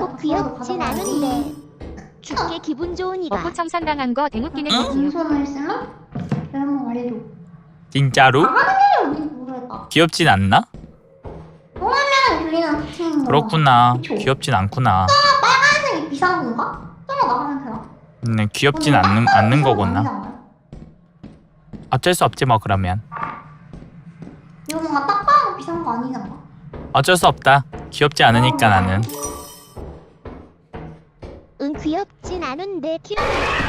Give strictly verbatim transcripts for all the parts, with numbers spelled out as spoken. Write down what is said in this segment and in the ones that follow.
꼭 귀엽진 않은데 죽게 기분 좋으니까. 어부 청산당한 거 대묻기는 응? 거지요. 인수를 했으면 한번 말해줘. 진짜로? 어디 모르겠다. 귀엽진 않나? 그냥 들리는 특징인 거. 그렇구나. 그쵸? 귀엽진 않구나. 빨간색이 비싼 건가? 저거 나가면 되나? 음, 귀엽진 않는 않는 거구나. 어쩔 수 없지 뭐 그러면. 이거 뭔가 딱 봐도 비싼 거 아니잖아. 어쩔 수 없다. 귀엽지 않으니까 나는. 응 귀엽진 않은데 귀여워.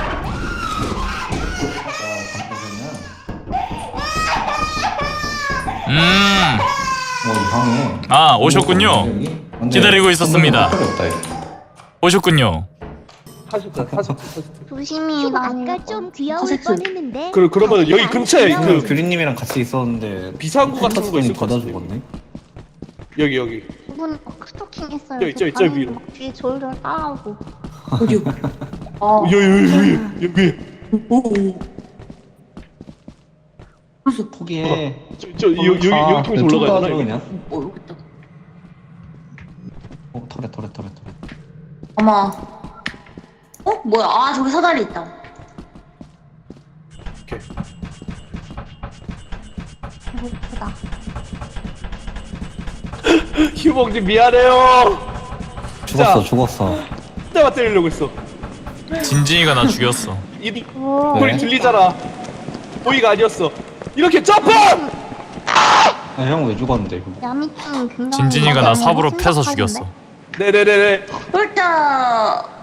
음. 어 이상해. 아 오셨군요. 완전 기다리고 있었습니다. 소리 없다, 이거. 오셨군요. 하셨다 하셨다. 조심히 휴 나 아까 좀 귀여울 사색수. 뻔했는데. 그 그러면 여기 안 근처에 귀여워. 그 규리님이랑 같이 있었는데 비상구 같은 거 있을 것 받아 같은데. 죽었네. 여기 여기. 두분 스토킹 했어요. 저기, 저기, 저 위로. 뒤에 졸졸 따라오고. 어디요? 아, 여기 여기 여기 여기. 오. 그래서 포기해. 저저 여기 여기 여기 통해서 올라가야 되나? 그냥. 모르겠다. 어 터렛 터렛 터렛 터렛. 아마. 어? 뭐야? 아, 저기 사다리 있다. 오케이. 배고프다. 휴봉님 미안해요. 죽었어 진짜. 죽었어. 내가 때리려고 했어. 진진이가 나 죽였어. 이 오. 소리 들리잖아. 보이가 아니었어. 이렇게 점프! 형 왜 죽었는데 이거? 야미짱 굉장히. 진진이가 나 삽으로 패서 심각하신데? 죽였어. 네네네네. 일단